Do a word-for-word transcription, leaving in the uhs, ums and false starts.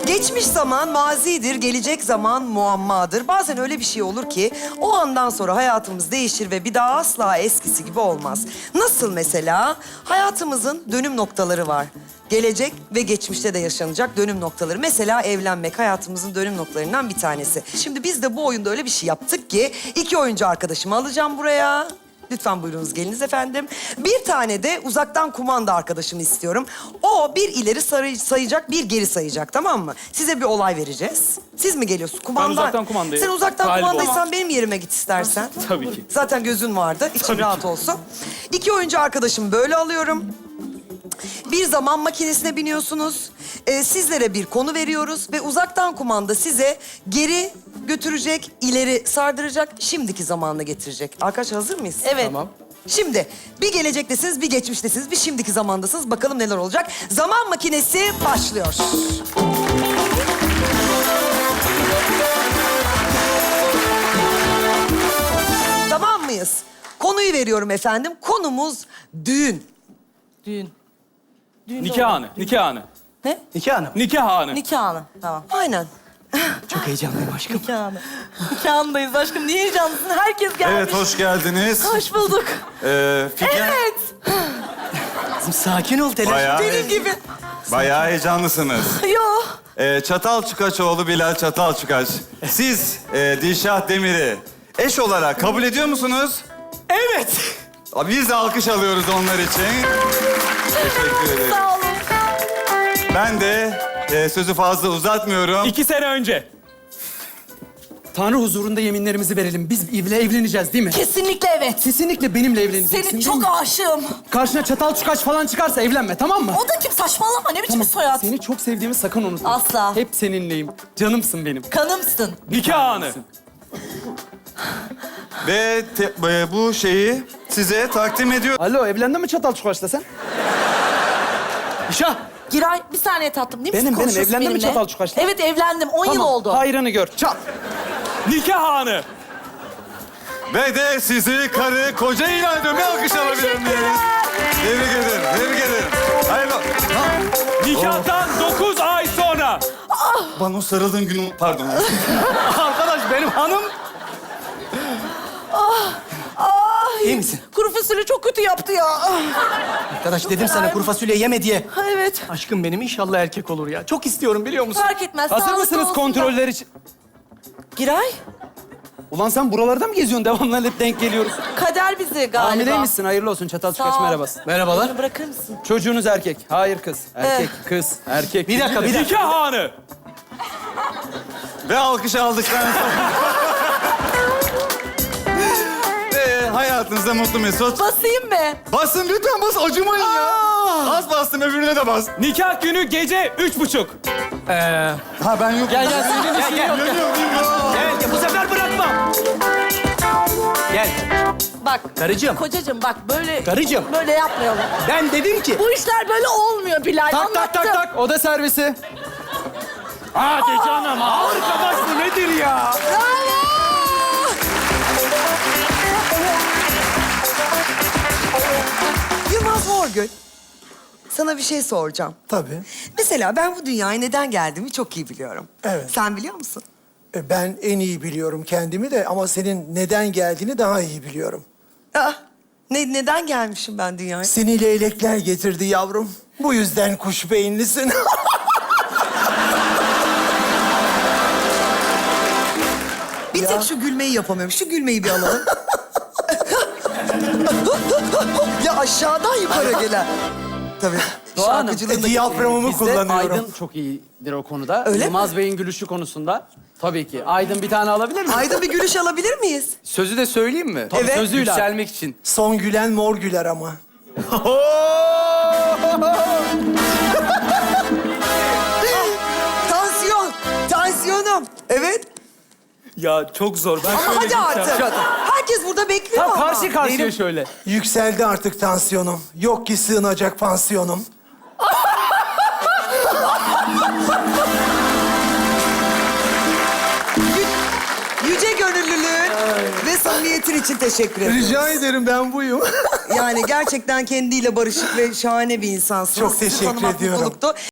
Geçmiş zaman mazidir, gelecek zaman muammadır. Bazen öyle bir şey olur ki o andan sonra hayatımız değişir ve bir daha asla eskisi gibi olmaz. Nasıl mesela? Hayatımızın dönüm noktaları var. Gelecek ve geçmişte de yaşanacak dönüm noktaları. Mesela evlenmek hayatımızın dönüm noktalarından bir tanesi. Şimdi biz de bu oyunda öyle bir şey yaptık ki iki oyuncu arkadaşımı alacağım buraya. Lütfen buyurunuz geliniz efendim. Bir tane de uzaktan kumanda arkadaşımı istiyorum. O bir ileri sarı- sayacak, bir geri sayacak, tamam mı? Size bir olay vereceğiz. Siz mi geliyorsun? Kumanda. Ben uzaktan kumandayım. Sen uzaktan Galiba. kumandaysan benim yerime git istersen. Tabii ki. Zaten gözün vardı. İçin Tabii rahat ki. olsun. İki oyuncu arkadaşımı böyle alıyorum. Bir zaman makinesine biniyorsunuz. Ee, sizlere bir konu veriyoruz ve uzaktan kumanda size geri götürecek, ileri sardıracak, şimdiki zamanına getirecek. Arkadaşlar hazır mıyız? Evet. Tamam. Şimdi bir gelecektesiniz, bir geçmiştesiniz, bir şimdiki zamandasınız. Bakalım neler olacak. Zaman makinesi başlıyor. Tamam mıyız? Konuyu veriyorum efendim. Konumuz düğün. Düğün. Düğün de Nikah olur. anı, nikah anı. Ne? Nikah Hanım. Nikah anı. Nikah anı. Tamam. Aynen. Çok heyecanlıyım aşkım. Nikah anı. Nikah anındayız aşkım. Niye heyecanlısın? Herkes gelmiş. Evet, hoş geldiniz. Hoş bulduk. Ee, Figen, Evet. Kızım sakin ol telaş. Bayağı, Benim gibi. bayağı heyecanlısınız. Yo. Ee, Çatal Çıkaçoğlu Bilal Çatal Çıkaç. Siz e, Dilşah Demir'i eş olarak kabul ediyor musunuz? Evet. Biz de alkış alıyoruz onlar için. Teşekkür ederim. Sağ olun. Ben de e, sözü fazla uzatmıyorum. İki sene önce. Tanrı huzurunda yeminlerimizi verelim. Biz evle evleneceğiz değil mi? Kesinlikle evet. Kesinlikle benimle evleneceksin Seni değil çok mi? aşığım. Karşına çatal çukaç falan çıkarsa evlenme, tamam mı? O da kim? Saçmalama. Ne biçim Tamam. bir soyad? Seni çok sevdiğimi sakın unutma. Asla. Hep seninleyim. Canımsın benim. Kanımsın. Nikah anı. Ve te- e, bu şeyi size takdim ediyor. Alo, evlendin mi çatal çukaçla sen? İşah. Giray bir saniye tatlım. Değil misin? Benim, benim. Konuşuyorsun Evlendin mi benimle? çatal çukaşla? Evet evlendim. On yıl Tamam, oldu. hayrını gör. Çat. Nikah anı. Ve de sizi karı koca ilan ediyorum. Bir alkış alabilir miyiz? Tebrik ederim, tebrik ederim. Hayırlı. Ha, Nikahtan dokuz ay sonra. bana o sarıldığın gün... Pardon. Arkadaş benim hanım. Ay. İyi misin? Kuru fasulye çok kötü yaptı ya. Arkadaş dedim sana kuru fasulye yeme diye. Ha, evet. Aşkım benim inşallah erkek olur ya. Çok istiyorum biliyor musun? Fark etmez. Hazır sağlıklı mısınız olsun kontroller için? da. Giray, Ulan sen buralarda mı geziyorsun? Devamlı hep denk geliyoruz. kader bizi galiba. Hamileymişsin. Hayırlı olsun. Çatal Sağ çıkaç ol. merhaba. Merhabalar. Beni bırakır mısın? Çocuğunuz erkek. Hayır kız. Erkek, Eh. kız, erkek. Bir dakika, bir dakika. Nikah anı. Ve alkış aldıktan sonra... Ve hayatınızda mutlu mesut. Basayım mı? Basın lütfen bas, acımayın ya. Az bastım, öbürüne de bas. Nikah günü gece üç buçuk. Ee, Ha ben yokum. gel gel. Senin işin yok. Geliyorum, geliyorum. Gel, gel. Bu sefer bırakmam. Gel. Bak. Karıcığım. Kocacığım bak böyle... Karıcığım. Böyle yapmayalım. Ben dedim ki... Bu işler böyle olmuyor Bilal. Tak tak tak tak. Oda servisi. Hadi canım. Arkadaş bu nedir ya? Bravo! Yılmaz Morgül, sana bir şey soracağım. Tabii. Mesela ben bu dünyaya neden geldiğimi çok iyi biliyorum. Evet. Sen biliyor musun? E, Ben en iyi biliyorum kendimi de ama senin neden geldiğini daha iyi biliyorum. Aa, ne, neden gelmişim ben dünyaya? Seni leylekler getirdi yavrum. Bu yüzden kuş beyinlisin. Bir Ya. tek şu gülmeyi yapamıyorum. Şu gülmeyi bir alalım. Ya aşağıdan yukarı gelen. Tabii. Doğan Hanım, Şarkıcılığında... Diyaframımı Bizde kullanıyorum. Aydın çok iyidir o konuda. Öyle mi? Yılmaz Bey'in gülüşü konusunda. Tabii ki. Aydın bir tane alabilir miyim? Aydın bir gülüş alabilir miyiz? Sözü de söyleyeyim mi? Tabii, Evet. sözüyle. Yükselmek için. Son gülen mor güler ama. Tansiyon. Tansiyonum. Evet. Ya çok zor. Ben Ama şöyle hadi gideceğim. artık. Herkes burada bekliyor Tam ama. karşı karşıya Benim- şöyle. Yükseldi artık tansiyonum. Yok ki sığınacak pansiyonum. Yüce gönüllülüğün ve samimiyetin için teşekkür ederim. Rica ederim ben buyum. Yani gerçekten kendiyle barışık ve şahane bir insansınız. Çok Sizi teşekkür tanımak ediyorum. mutluluktu.